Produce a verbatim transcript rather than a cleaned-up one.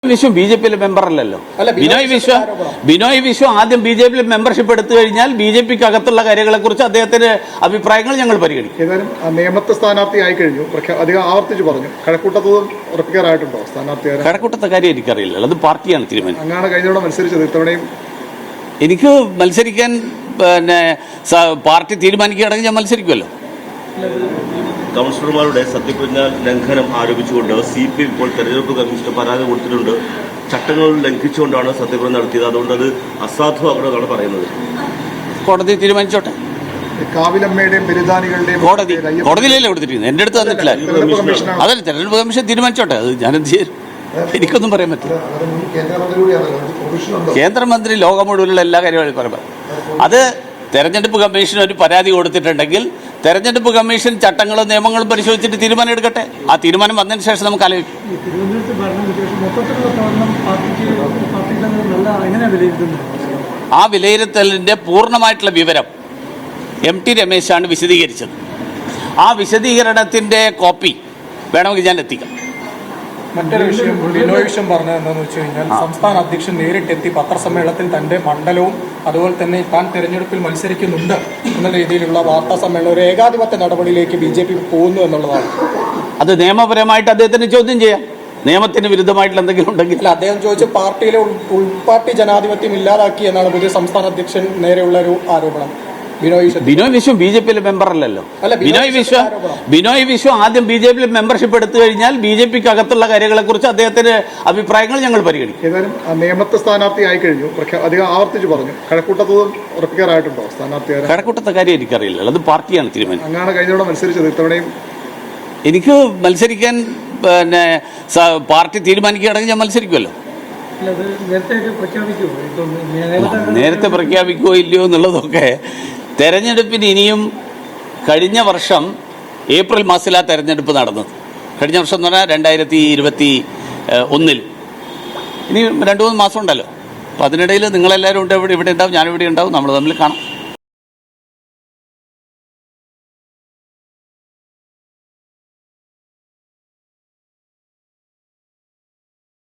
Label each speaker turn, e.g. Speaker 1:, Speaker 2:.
Speaker 1: വിശ്വം B J പിയിലെ member അല്ലല്ലോ. ബിനോയ് വിശ്വം ബിനോയ് വിശ്വം ആദ്യം ബി ജെ പിയിൽ മെമ്പർഷിപ്പ് എടുത്തു കഴിഞ്ഞാൽ ബി ജെ പിക്ക് അകത്തുള്ള കാര്യങ്ങളെ കുറിച്ച് അദ്ദേഹത്തിന്റെ അഭിപ്രായങ്ങൾ ഞങ്ങൾ പരിഗണിക്കും.
Speaker 2: ഏതായാലും നിയമത്തെ സ്ഥാനാർത്ഥി ആയി കഴിഞ്ഞു, അധികം ആവർത്തിച്ച് പറഞ്ഞു. കഴക്കൂട്ടത്ത് ഉറപ്പിക്കാറായിട്ടുണ്ടോ സ്ഥാനാർത്ഥി?
Speaker 1: കഴക്കൂട്ടത്തെ കാര്യം എനിക്കറിയില്ല, അത് പാർട്ടിയാണ് തീരുമാനം.
Speaker 2: അങ്ങാണ് കഴിഞ്ഞ തവണ മത്സരിച്ചത്, ഇത്തവണയും
Speaker 1: എനിക്ക് മത്സരിക്കാൻ പിന്നെ പാർട്ടി തീരുമാനിക്കുകയാണെങ്കിൽ ഞാൻ മത്സരിക്കുമല്ലോ.
Speaker 3: കൗൺസിലർമാരുടെ സത്യപ്രതിജ്ഞ ലംഘനം ആരോപിച്ചുകൊണ്ട് സി പി എം ഇപ്പോൾ തെരഞ്ഞെടുപ്പ് കമ്മീഷന് പരാതി കൊടുത്തിട്ടുണ്ട്. ചട്ടങ്ങൾ ലംഘിച്ചുകൊണ്ടാണ് സത്യപ്രതിജ്ഞ നടത്തിയത്, അതുകൊണ്ട് അത് അസാധുവാകണമെന്നാണ് പറയുന്നത്.
Speaker 1: കോടതി തീരുമാനിച്ചോട്ടെ.
Speaker 2: കാവിലമ്മയുടെയും ബലിദാനികളുടെയും
Speaker 1: കോടതി കോടതിയിലല്ലേ കൊടുത്തിരിക്കുന്നത്, എന്റെ അടുത്ത് വന്നിട്ടില്ല. അതല്ല, തെരഞ്ഞെടുപ്പ് കമ്മീഷൻ തീരുമാനിച്ചോട്ടെ, അത് ഞാനെന്ത് ചെയ്യും, എനിക്കൊന്നും പറയാൻ പറ്റില്ല. കേന്ദ്രമന്ത്രി ലോകം മുഴുവനുള്ള എല്ലാ കാര്യങ്ങളും പറയാം. അത് തെരഞ്ഞെടുപ്പ് കമ്മീഷൻ ഒരു പരാതി കൊടുത്തിട്ടുണ്ടെങ്കിൽ തെരഞ്ഞെടുപ്പ് കമ്മീഷൻ ചട്ടങ്ങളും നിയമങ്ങളും പരിശോധിച്ചിട്ട് തീരുമാനം എടുക്കട്ടെ. ആ തീരുമാനം വന്നതിന് ശേഷം നമുക്ക് ആലോചിക്കാം. ആ വിലയിരുത്തലിന്റെ പൂർണ്ണമായിട്ടുള്ള വിവരം എം ടി രമേശാണ് വിശദീകരിച്ചത്. ആ വിശദീകരണത്തിന്റെ കോപ്പി വേണമെങ്കിൽ ഞാൻ എത്തിക്കാം.
Speaker 4: മറ്റൊരു വിഷയം ബിനോയ് വിശ്വം പറഞ്ഞത് എന്താണെന്ന് വെച്ച് കഴിഞ്ഞാൽ, സംസ്ഥാന അധ്യക്ഷൻ നേരിട്ടെത്തി പത്രസമ്മേളനത്തിൽ തന്റെ മണ്ഡലവും അതുപോലെ തന്നെ താൻ തെരഞ്ഞെടുപ്പിൽ മത്സരിക്കുന്നുണ്ട് എന്ന രീതിയിലുള്ള വാർത്താ സമ്മേളനം ഒരു ഏകാധിപത്യ നടപടിയിലേക്ക് ബി ജെ പി പോകുന്നു എന്നുള്ളതാണ്.
Speaker 1: അത് നിയമപരമായിട്ട് അദ്ദേഹത്തിന് ചോദ്യം ചെയ്യാം. നിയമത്തിന് വിരുദ്ധമായിട്ടുള്ള എന്തെങ്കിലും ഉണ്ടെങ്കിൽ
Speaker 4: അല്ല, അദ്ദേഹം ചോദിച്ച പാർട്ടിയിലെ ഉൾപാർട്ടി ജനാധിപത്യം ഇല്ലാതാക്കി എന്നാണ് പുതിയ സംസ്ഥാന അധ്യക്ഷൻ നേരെയുള്ള ഒരു ആരോപണം.
Speaker 1: ബിനോയ് വിശ്വം ബി ജെ പിയിലെ മെമ്പർ അല്ലല്ലോ. ബിനോയ് വിശ്വം ബിനോയ് വിശ്വം ആദ്യം ബി ജെ പിയിൽ മെമ്പർഷിപ്പ് എടുത്തു കഴിഞ്ഞാൽ ബി ജെ പിക്ക് അകത്തുള്ള കാര്യങ്ങളെ കുറിച്ച് അദ്ദേഹത്തിന്റെ അഭിപ്രായങ്ങൾ ഞങ്ങൾ പരിഗണിക്കും.
Speaker 2: ഏതായാലും നിയമത്തെ സ്ഥാനാർത്ഥി ആയി കഴിഞ്ഞു, അധികം ആവർത്തിച്ച് പറഞ്ഞു. കഴക്കൂട്ടത്ത് ഉറപ്പിക്കാറായിട്ടുണ്ടോ സ്ഥാനാർത്ഥി?
Speaker 1: കഴക്കൂട്ടത്തെ കാര്യം എനിക്കറിയില്ല, അത് പാർട്ടിയാണ് തീരുമാനം.
Speaker 2: അങ്ങാണ് കഴിഞ്ഞ തവണ മത്സരിച്ചത്, ഇത്തവണയും
Speaker 1: എനിക്ക് മത്സരിക്കാൻ പിന്നെ പാർട്ടി തീരുമാനിക്കുകയാണെങ്കിൽ ഞാൻ മത്സരിക്കുമല്ലോ. നേരത്തെ പ്രഖ്യാപിക്കുമോ ഇല്ലയോ എന്നുള്ളതൊക്കെ തെരഞ്ഞെടുപ്പിന് ഇനിയും, കഴിഞ്ഞ വർഷം ഏപ്രിൽ മാസത്തിലാണ് തെരഞ്ഞെടുപ്പ് നടന്നത്. കഴിഞ്ഞ വർഷം എന്ന് പറഞ്ഞാൽ രണ്ടായിരത്തി ഇരുപത്തി ഒന്നിൽ ഇനി രണ്ടു മൂന്ന് മാസം ഉണ്ടല്ലോ. അപ്പോൾ അതിനിടയിൽ നിങ്ങളെല്ലാവരും ഉണ്ട്, ഇവിടെ ഇവിടെ ഉണ്ടാവും, ഞാനിവിടെ ഉണ്ടാവും, നമ്മൾ തമ്മിൽ കാണാം.